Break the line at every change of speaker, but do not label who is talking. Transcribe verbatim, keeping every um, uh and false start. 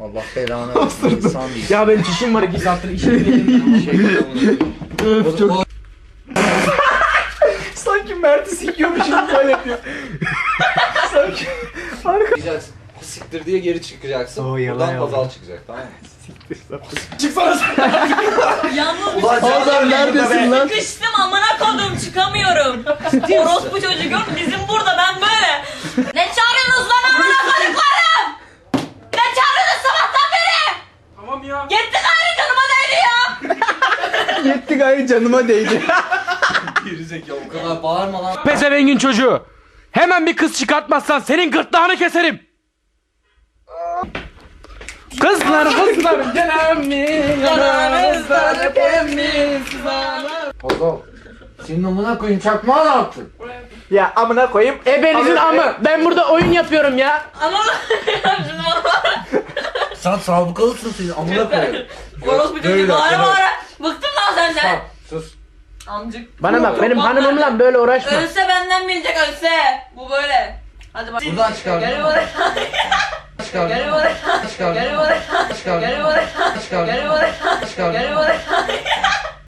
Allah belanı versin. İnsan değil.
Ya benim çişim var iki saattir işim gelin.
Öf çok.
Sanki Mert'i sikiyormuşum böyle yapıyor. Sanki.
Arka. Siktir diye geri çıkacaksın.
Oo, yalan
Buradan
yalan.
Hazal çıkacak, tamam mı?
Çıksana sen.
Yalnız bir
Ulan
şey
Hazal
söyleyeyim.
neredesin lan?
Sıkıştım amına kodum çıkamıyorum. Orospu çocuk yok bizim burada ben böyle. Ne çağırıyorsunuz lan amına koduklarım? Ne çağırıyorsunuz sabahtan beri?
Tamam ya.
Yetti gayrı canıma değdi ya.
Yetti gayrı canıma değdi.
Gerizekalı o kadar bağırma lan.
Pezevengin çocuğu. Hemen bir kız çıkartmazsan senin gırtlağını keserim. Kızlar kızlar gelen mi? Yanımızda temiz
Hazal. Senin amına koyayım çakmağı ne yaptın?
Ya amına koyayım. Ebenizin amı. Ben burada oyun yapıyorum ya.
Anam şunu bana.
Sen sabıkalısın senin amına koyayım.
Orospu çocuk
Böyle,
bağıra
böyle.
bağıra. Bıktım lan senden.
Tamam sus.
Amcık.
Bana bak benim hanımımla böyle uğraşma.
Ölse benden bilecek ölse. Bu böyle. Hadi bak.
Buradan çıkar.
Gel buraya.
Çıkar.
Gel buraya.
Çıkar.
Gel buraya.
Çıkar.
Gel buraya.
Çıkar.
Gel buraya.
Çıkar.
Gel buraya.